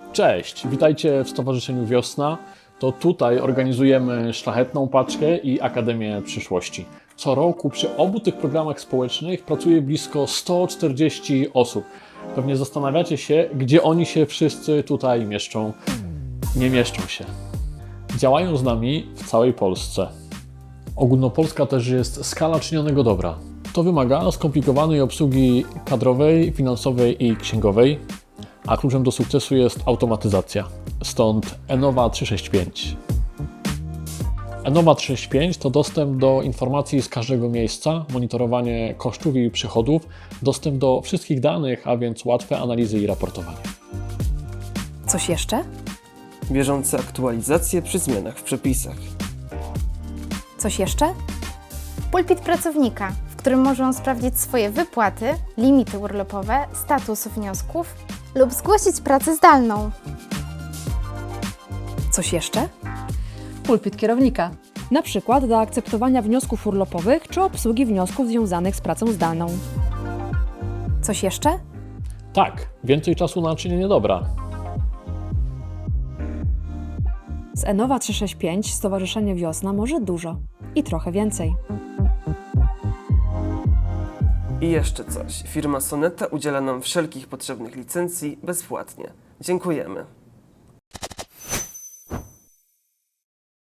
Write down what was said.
Cześć, witajcie w Stowarzyszeniu Wiosna. To tutaj organizujemy Szlachetną Paczkę i Akademię Przyszłości. Co roku przy obu tych programach społecznych pracuje blisko 140 osób. Pewnie zastanawiacie się, gdzie oni się wszyscy tutaj mieszczą. Nie mieszczą się. Działają z nami w całej Polsce. Ogólnopolska też jest skala czynionego dobra. To wymaga skomplikowanej obsługi kadrowej, finansowej i księgowej, a kluczem do sukcesu jest automatyzacja. Stąd Enowa 365. Enowa 365 to dostęp do informacji z każdego miejsca, monitorowanie kosztów i przychodów, dostęp do wszystkich danych, a więc łatwe analizy i raportowanie. Coś jeszcze? Bieżące aktualizacje przy zmianach w przepisach. Coś jeszcze? Pulpit pracownika, w którym można sprawdzić swoje wypłaty, limity urlopowe, status wniosków lub zgłosić pracę zdalną. Coś jeszcze? Pulpit kierownika. Na przykład do akceptowania wniosków urlopowych czy obsługi wniosków związanych z pracą zdalną. Coś jeszcze? Tak, więcej czasu na czynienie dobra. Z Enowa 365 Stowarzyszenie Wiosna może dużo i trochę więcej. I jeszcze coś. Firma Soneta udziela nam wszelkich potrzebnych licencji bezpłatnie. Dziękujemy.